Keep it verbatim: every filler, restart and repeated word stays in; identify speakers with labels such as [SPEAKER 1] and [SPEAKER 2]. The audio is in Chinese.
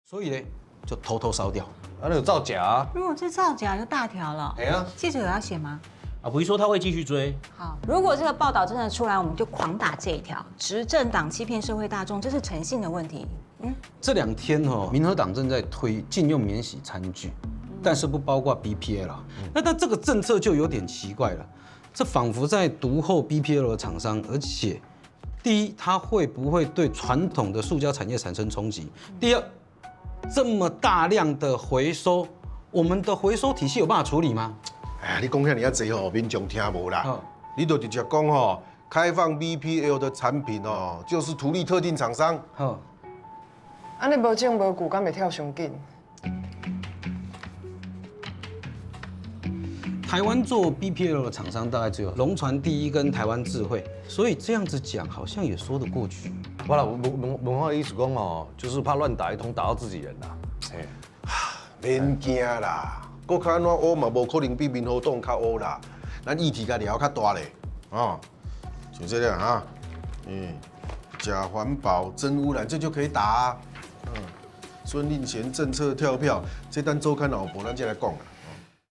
[SPEAKER 1] 所以呢，就偷偷烧掉。
[SPEAKER 2] 啊，那有造假啊！
[SPEAKER 3] 如果是造假，就大条了。
[SPEAKER 2] 哎呀，
[SPEAKER 3] 记者有要写吗？
[SPEAKER 4] 啊，不是说他会继续追。
[SPEAKER 3] 好，如果这个报道真的出来，我们就狂打这一条：执政党欺骗社会大众，这是诚信的问题。嗯，
[SPEAKER 1] 这两天哦，民和党正在推禁用免洗餐具，但是不包括 B P L。那那这个政策就有点奇怪了，这仿佛在独后 B P L 的厂商，而且第一，它会不会对传统的塑胶产业产生冲击？第二，这么大量的回收，我们的回收体系有办法处理吗？
[SPEAKER 5] 哎呀，你讲遐尔啊济吼，民众听无啦。
[SPEAKER 1] 好
[SPEAKER 5] 你就直接讲吼，开放 B P L 的产品哦，就是图利特定厂商。
[SPEAKER 1] 好，
[SPEAKER 6] 安尼无证无据，敢袂跳上紧？
[SPEAKER 1] 台湾做 B P L 的厂商大概只有龙船第一跟台湾智慧，所以这样子讲好像也说得过去。
[SPEAKER 2] 不啦，文文文化的意思讲哦，就是怕乱打一通，打到自己人啦。哎，
[SPEAKER 5] 免惊啦，国较安怎乌嘛，无可能比民和党较乌啦。咱议题甲了较大咧，哦，就这样啊，嗯，假环保、真污染，这就可以打啊。嗯，孙令贤政策跳票，这单周刊老婆咱再来讲啦。